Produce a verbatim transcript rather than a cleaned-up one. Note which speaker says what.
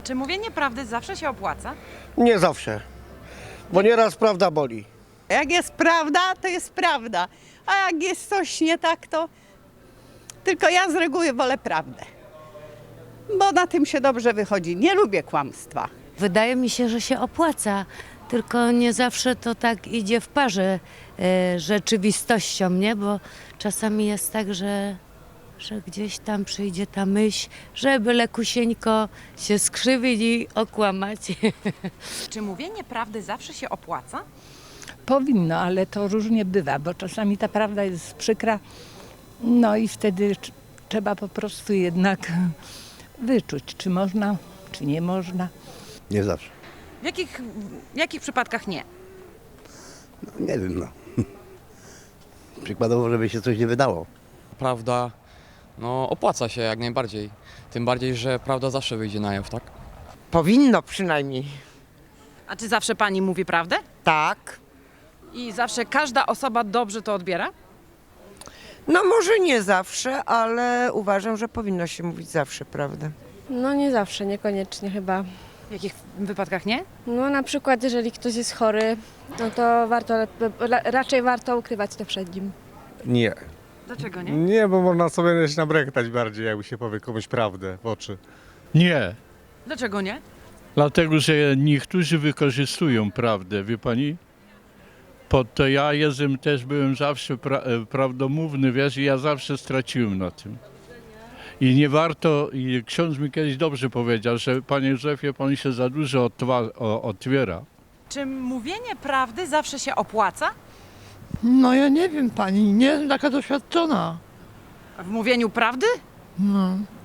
Speaker 1: Czy mówienie prawdy zawsze się opłaca?
Speaker 2: Nie zawsze, bo nieraz prawda boli.
Speaker 3: Jak jest prawda, to jest prawda, a jak jest coś nie tak, to tylko ja z reguły wolę prawdę, bo na tym się dobrze wychodzi. Nie lubię kłamstwa.
Speaker 4: Wydaje mi się, że się opłaca, tylko nie zawsze to tak idzie w parze e, rzeczywistością, nie? Bo czasami jest tak, że, że gdzieś tam przyjdzie ta myśl, że byle kusieńko się skrzywić i okłamać.
Speaker 1: Czy mówienie prawdy zawsze się opłaca?
Speaker 5: Powinno, ale to różnie bywa, bo czasami ta prawda jest przykra, no i wtedy tr- trzeba po prostu jednak wyczuć, czy można, czy nie można.
Speaker 6: Nie zawsze.
Speaker 1: W jakich, w jakich przypadkach nie?
Speaker 6: No, nie wiem, no. Przykładowo, żeby się coś nie wydało.
Speaker 7: Prawda, no opłaca się jak najbardziej. Tym bardziej, że prawda zawsze wyjdzie na jaw, tak?
Speaker 8: Powinno przynajmniej.
Speaker 1: A czy zawsze pani mówi prawdę?
Speaker 8: Tak.
Speaker 1: I zawsze każda osoba dobrze to odbiera?
Speaker 8: No może nie zawsze, ale uważam, że powinno się mówić zawsze prawdę.
Speaker 9: No nie zawsze, niekoniecznie chyba.
Speaker 1: W jakich wypadkach nie?
Speaker 9: No na przykład jeżeli ktoś jest chory, no to warto, ra- raczej warto ukrywać to przed nim.
Speaker 10: Nie.
Speaker 1: Dlaczego nie?
Speaker 10: Nie, bo można sobie się nabrektać bardziej, jakby się powie komuś prawdę w oczy.
Speaker 11: Nie,
Speaker 1: Dlaczego nie?
Speaker 11: dlatego że niektórzy wykorzystują prawdę, wie pani? Pod to ja jestem, też byłem zawsze pra, e, prawdomówny, wiesz, i ja zawsze straciłem na tym. I nie warto, i ksiądz mi kiedyś dobrze powiedział, że panie Józefie, pan się za dużo otwa, o, otwiera.
Speaker 1: Czy mówienie prawdy zawsze się opłaca?
Speaker 12: No ja nie wiem pani, nie jestem taka doświadczona.
Speaker 1: W mówieniu prawdy?
Speaker 12: No.